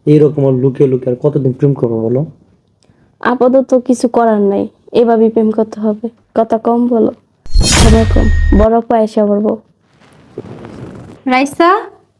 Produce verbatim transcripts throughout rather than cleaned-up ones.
এইরকম আর লুকিয়ে লুকিয়ে আর কতদিন প্রেম করবো বলো? আপাতত কিছু করার নাই, এভাবেই প্রেম করতে হবে। কথা কম বলো, সময় কম। বড় পয়সা বলবো। রাইসা,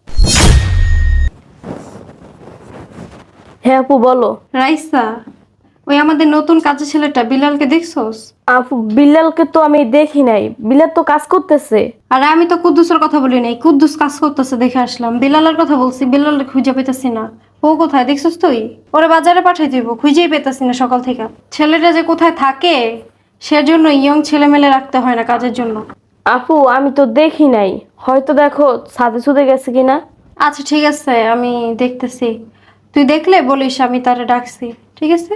হ্যাঁ আপু বলো। রাইসা, ওই আমাদের নতুন কাজের ছেলেটা বিলালকে দেখছোস? আপু বিল্লালকে তো আমি দেখি নাই, বিলাল তো কাজ করতেছে। আরে আমি তো কুদ্দুসের কথা বলি নাই, কুদ্দুস কাজ করতেছে দেখে আসলাম। বিলালের কথা বলছি, বিলালের খুঁজে পেতেছি না। ও কোথায় দেখছিস তুই? ওরে বাজারে পাঠাই দিব, খুঁজেই পেতেছি না সকাল থেকে। ছেলেটা যে কোথায় থাকে সেজন্য ইয়ং ছেলে মেলে রাখতে হয় না কাজের জন্য। আপু আমি তো দেখি নাই, হয়তো দেখো ছাদে সুদে গেছে কিনা। আচ্ছা ঠিক আছে, আমি দেখতেছি। তুই দেখলে বলিস আমি তারে ডাকছি, ঠিক আছে?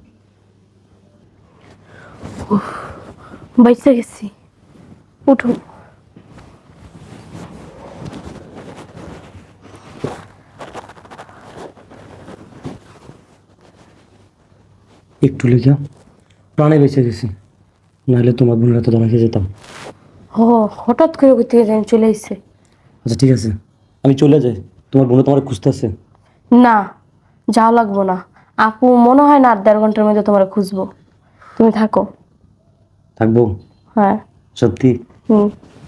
বাইসে গেছি, উঠো। একটু লেগে প্রাণে বেঁচে গেছি, নাহলে তোমার বোনের হাতে ধরা খেয়ে যেতাম। ও হঠাৎ করে কোথা থেকে জানি চলে এসেছে। আচ্ছা ঠিক আছে, আমি চলে যাই, তোমার বোনে তোমার খুঁজতেছে। না, যাও লাগবো না। আপু মনে হয় না আর দেড় ঘন্টার মধ্যে তোমার খুঁজবো। তুমি থাকো। থাকবো? হ্যাঁ। সত্যি? হুম।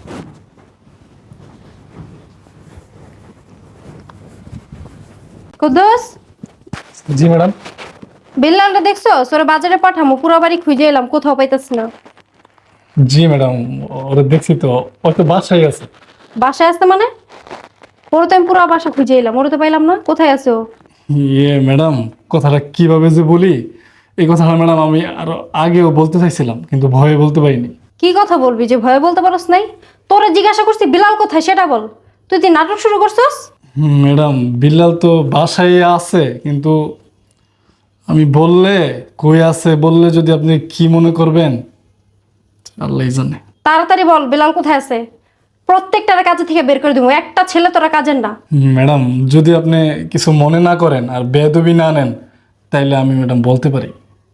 কুদ্দুস, জি ম্যাডাম। বিল্লালটা দেখছো? ওরে বাজারে পাঠামো, পুরো বাড়ি খুঁজে এলাম, কোথাও পাইতেছি না। জি ম্যাডাম, ওরা দেখছি তো, ও তো বাসায় আছে। বাসায় আসতে মানে? ওরে তো আমি পুরো বাসা খুঁজে এলাম, ওরে তো পাইলাম না, কোথায় আছে ও? ইয়ে ম্যাডাম, কথাটা কিভাবে যে বলি, এই কথাটা ম্যাডাম আমি আরো আগেও বলতে চাইছিলাম, কিন্তু ভয়ে বলতে পারিনি। কি কথা বলবি যে ভয়ে বলতে পারস নাই? তোরে জিজ্ঞাসা করছি বিলাল কোথায় সেটা বল। তুই তুই নাটক শুরু করছস? হুম, ম্যাডাম বিল্লাল তো বাসায় আছে, কিন্তু আমি বললে কই আছে বললে যদি আপনি কি মনে করবেন আল্লাহই জানে। তাড়াতাড়ি বল বিলাল কোথায় আছে। প্রত্যেকটার কাজে থেকে বের করে দিব, একটা ছেলে তোরা কাজের না। হুম, ম্যাডাম যদি আপনি কিছু মনে না করেন আর বেয়াদবি না নেন, তাইলে আমি ম্যাডাম বলতে পারি।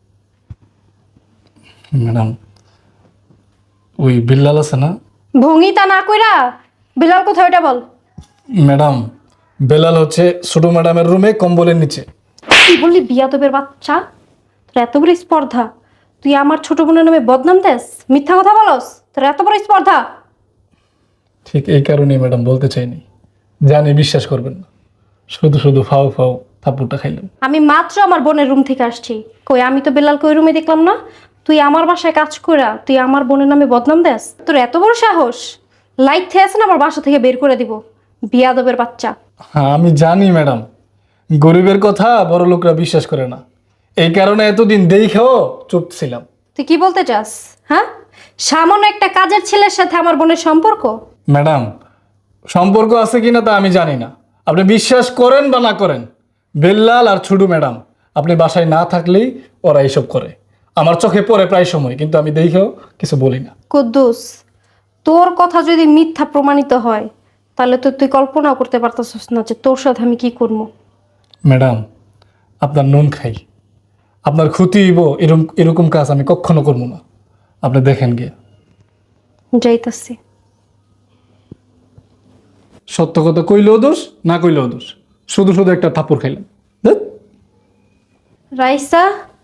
ম্যাডাম ওই বিল্লাল আছে না? ভঙ্গিতা না কইরা বিলাল কোথায় ওটা বল। ম্যাডাম বেলাল হচ্ছে ছোট ম্যাডামের রুমে কম্বলের নিচে। কি বললি বিয়াদবের বাচ্চা? তোর এত বড় স্পর্ধা, তুই আমার ছোট বোনের নামে বদনাম দেস, মিথ্যা কথা বলস, তোর এত বড় স্পর্ধা। ঠিক এই কারণেই ম্যাডাম বলতে চাইনি, জানি বিশ্বাস করবেন না, শুধু শুধু ফাও ফাও থাপ্পড়টা খাইলেন। আমি মাত্র আমার বোনের রুম থেকে আসছি, কই আমি তো বেলালকে ওই রুমে দেখলাম না। তুই আমার বাসায় কাজ কইরা তুই আমার বোনের নামে বদনাম দেস? তোর এত বড় সাহস! লাইট থেকে আছে না আমার বাসা থেকে বের করে দিব, বিয়াদবের বাচ্চা। হ্যাঁ আমি জানি ম্যাডাম, গরিবের কথা বড় লোকরা বিশ্বাস করে না, এই কারণে এতদিন দেখেও চুপ ছিলাম। তুই কি বলতে চাস? হ্যাঁ, সামান্য একটা কাজের ছেলের সাথে আমার বোনের সম্পর্ক? ম্যাডাম সম্পর্ক আছে কিনা তা আমি জানি না, আপনি বিশ্বাস করেন বা না করেন, বেল্লাল আর ছুডু ম্যাডাম আপনি বাসায় না থাকলেই ওরা এইসব করে, আমার চোখে পড়ে প্রায় সময়, কিন্তু আমি দেখেও কিছু বলি না। কুদ্দুস, তোর কথা যদি মিথ্যা প্রমাণিত হয় তাহলে তো তুই কল্পনাও করতে পারতেছিস না যে তোর সাথে আমি কি করবো। ম্যাডাম আপনার নুন খাই, আপনার ক্ষতি হইব এরকম এরকম কাজ আমি কখনো করবো না, আপনি দেখেন গিয়ে। যাইতাছি। সত্য কথা কইলেও দোষ, না কইলেও দোষ, শুধু শুধু একটা থাপ্পড় খাইলাম। ধ্যাৎ। রাইসা,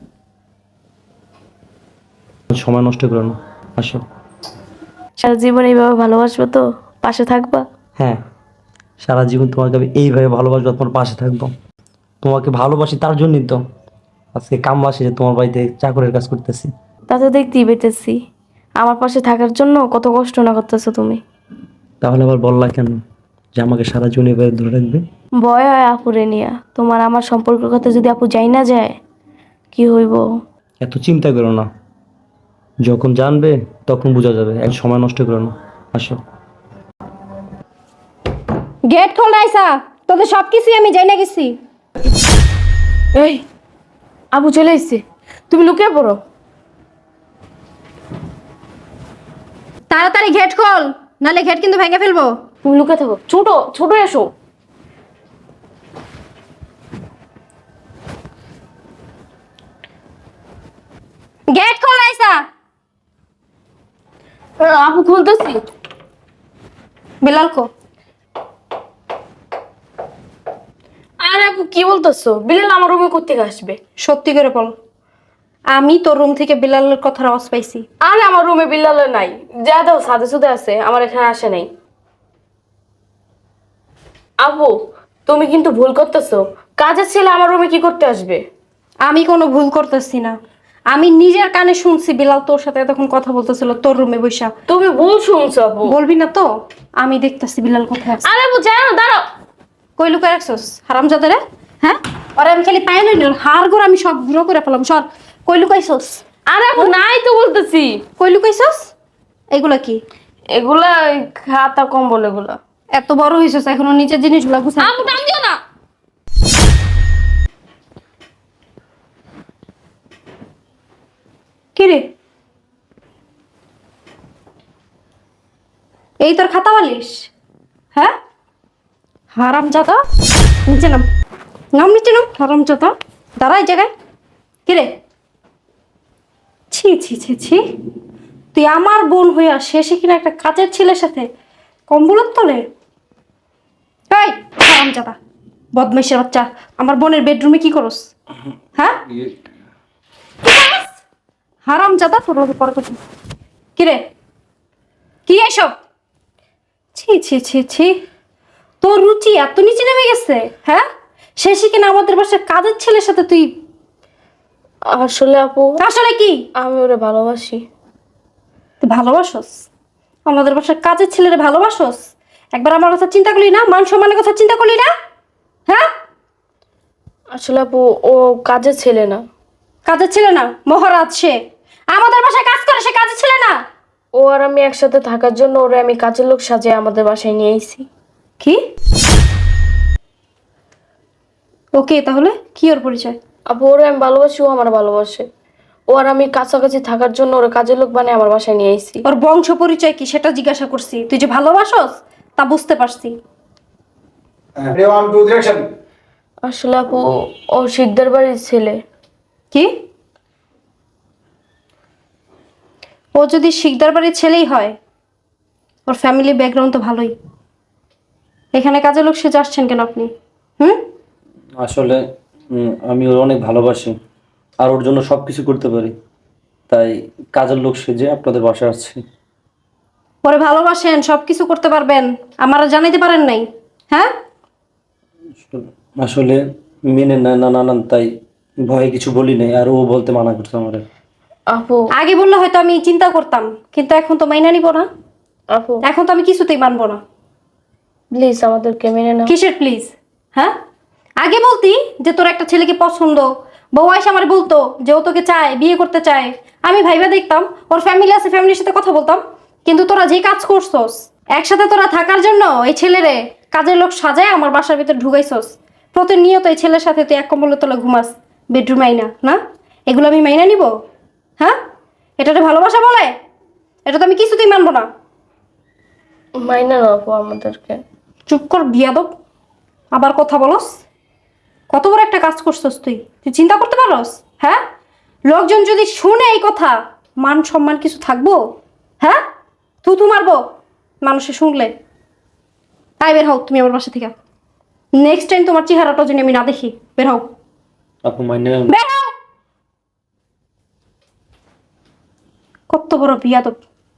সময় নষ্ট করো না, আসো। সারা জীবন এইভাবে ভালোবাসবো তো, পাশে থাকবা। হ্যাঁ, সারা জীবন তোমাকে আমি এইভাবে ভালোবাসবো, তোমার পাশে থাকবো। তোমাকে ভালোবাসি তার জন্যই তো আজকে কামবাসী যে তোমার বাড়িতে চাকরের কাজ করতেছি। তা তো দেখতেই পেতেছি, আমার পাশে থাকার জন্য কত কষ্ট না করতেছো তুমি। তাহলে আবার বললা কেন যে আমাকে সারা জীবন এভাবে ধরে রাখবে? ভয় হয় আপুরে নিয়া, তোমার আমার সম্পর্কের কথা যদি আপু যাই না যায় কি হইব। এত চিন্তা করো না, যখন জানবে তখন বোঝা যাবে, এক সময় নষ্ট করো না, আসো। গেট খোল রাইসা, তোদের সব কিছুই আমি জানি না গেছি। এই আপু চলে এসছে, তুমি লুকিয়ে পড়ো। তাড়াতাড়ি গেট খোল, নালে গেট কিন্তু ভেঙে ফেলবো। তুমি লুকিয়ে থাকো, ছোট ছোট এসো। গেট খোল রাইসা। আপু খুলতেছি। বেলাল কো? আর আপু কি বলতেছো? বিলাল আমার রুমে কোত্থেকে আসবে? সত্যি করে বল, আমি তোর রুম থেকে বিলালের কথার আওয়াজ পাইছি। আরে আমার রুমে বিলাল নাই, যা দাও সাদে সুদে আছে, আমার এখানে আসে নাই। আপু তুমি কিন্তু ভুল করতেছো, কাজের ছেলে আমার রুমে কি করতে আসবে? আমি কোনো ভুল করতেছি না, আমি নিজের কানে শুনছি বিলাল তোর সাথে তখন কথা বলতেছিল তোর রুমে বৈশা। তুমি ভুল শুনছো আপু। বলবি না তো? আমি দেখতেছি বিলাল কোথায় আছে। আরে আপু জানো, দাঁড়াও। কই লুকায় রাখছস হারামজাদা রে? হ্যাঁ, ওরে আমি খালি পাই লই হাড় গোড় আমি সব গুঁড়ো করে ফেলাম। সর, কই লুকাইছস? আরে আপু নাই তো বলতেছি। কই লুকাইছস? এগুলা কি? এগুলা ওই খাতা কম্বল এগুলা। এত বড় হইছস এখনো নিচের জিনিসগুলো গুছা। আপু টান দিও না। কি রে, এই তোর খাতা বালিশ? হ্যাঁ, হারামজাদা, নিচে নাম, নাম নিচে নাম, হারামজাদা। দাঁড়া এই জায়গায়। কি রে, ছি ছি ছি ছি, তুই আমার বোন হইয়া শেষে কিনা একটা কাজের ছেলের সাথে কম্বলের তলে? এই হারামজাদা, বদমাইশের বাচ্চা, আমার বোনের বেডরুমে কি করস? হ্যাঁ, হারামজাদা, তোর লগে পরে কথা। কি রে, কি এসব? ছি ছি ছি ছি, তোর রুচি এত নিচে নেমে গেছে? হ্যাঁ, শেষে কিনা আমাদের বাসার কাজের ছেলের সাথে তুই। আসলে আপু আসলে কি? আমি ওরে ভালোবাসি। তুই ভালোবাসস আমাদের বাসার কাজের ছেলেরে? ভালোবাসস? একবার আমার কথা চিন্তা করলি না? মান সম্মানের কথা চিন্তা করলি না? হ্যাঁ, আসলে আপু ও কাজের ছেলে না। কাজের ছেলে না? মহারাজ সে, আমাদের বাসায় কাজ করে, সে কাজের ছেলে না। ও আর আমি একসাথে থাকার জন্য ওরে আমি কাজের লোক সাজিয়ে আমাদের বাসায় নিয়ে এসেছি। কি? ওকে, তাহলে কি ওর পরিচয়? আপু ওরে আমি ভালোবাসি, ও আমার ভালোবাসে। ও আর আমি কাছাকাছি থাকার জন্য ওরে কাজের লোক বানিয়ে আমার বাসায় নিয়ে এসেছি। ওর বংশ পরিচয় কি সেটা জিজ্ঞাসা করছি। তুই যে ভালোবাসস তা বুঝতে পারছি। Everyone to direction. আসলে আপু ও সিকদার বাড়ির ছেলে। কি? ও যদি শিকদার বাড়ির ছেলেই হয়, ওর ফ্যামিলি ব্যাকগ্রাউন্ড তো ভালোই। এখানে কাজের লোক সেজে আসছেন কেন আপনি? হুম, আসলে উম, আমি ওর অনেক ভালোবাসি আর ওর জন্য সব কিছু করতে পারি, তাই কাজের লোক সেজে আপনাদের বাসায় আসছি। ওরে ভালোবাসেন, সব কিছু করতে পারবেন, আমারা জানাইতে পারেন নাই? হ্যাঁ, আসলে মেনে নেয় না নানান, তাই ভয়ে কিছু বলি নাই, আর ও বলতে মানা করছে আমারে। আপু আগে বললে হয়তো আমি চিন্তা করতাম, কিন্তু এখন তো মাইনা নিব না। আপু এখন তো আমি কিছুতেই মানবো না। প্লিজ আমাদেরকে মেনে নাও। কিসের প্লিজ? হ্যাঁ, আগে বলতি যে তোর একটা ছেলেকে পছন্দ, বউ আইসা আমার বলতো যে ও তোকে চায়, বিয়ে করতে চায়, আমি ভাইবা দেখতাম, ওর ফ্যামিলি আছে, ফ্যামিলির সাথে কথা বলতাম। কিন্তু তোরা যে কাজ করছস, একসাথে তোরা থাকার জন্য এই ছেলেরে কাজের লোক সাজায় আমার বাসার ভিতরে ঢুকাইছস। প্রতিনিয়ত এই ছেলের সাথে তুই এক কম্বলের তলে ঘুমাস, বেডরুমে আইনা না? এগুলো আমি মাইনা নিব? হ্যাঁ, এটাতে ভালোবাসা বলে? এটা তো আমি কিছুতেই মানবো না। মাইনে নাও আপু আমাদেরকে। চুপ কর বিয়াদব, আবার কথা বলস। কত বড় একটা কাজ করছস তুই, তুই চিন্তা করতে পারস? হ্যাঁ, লোকজন যদি শুনে এই কথা, মান সম্মান কিছু থাকবো? হ্যাঁ, তু তু মারবো মানুষে শুনলে। তাই বের হও তুমি আমার বাসা থেকে। নেক্সট টাইম তোমার চেহারাটা যদি আমি না দেখি, বের হও, আপু মাইনে নেন। বের হও। কত বড় বিয়াদব,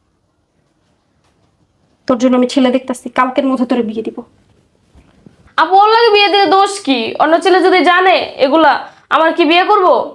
তোর জন্য আমি ছেলে দেখতাছি, কালকের মধ্যে তোরে বিয়ে দিব। আপু ওর লাগে বিয়ে দিলে দোষ কি? অন্য ছেলে যদি জানে এগুলা, আমার কি বিয়ে করবো?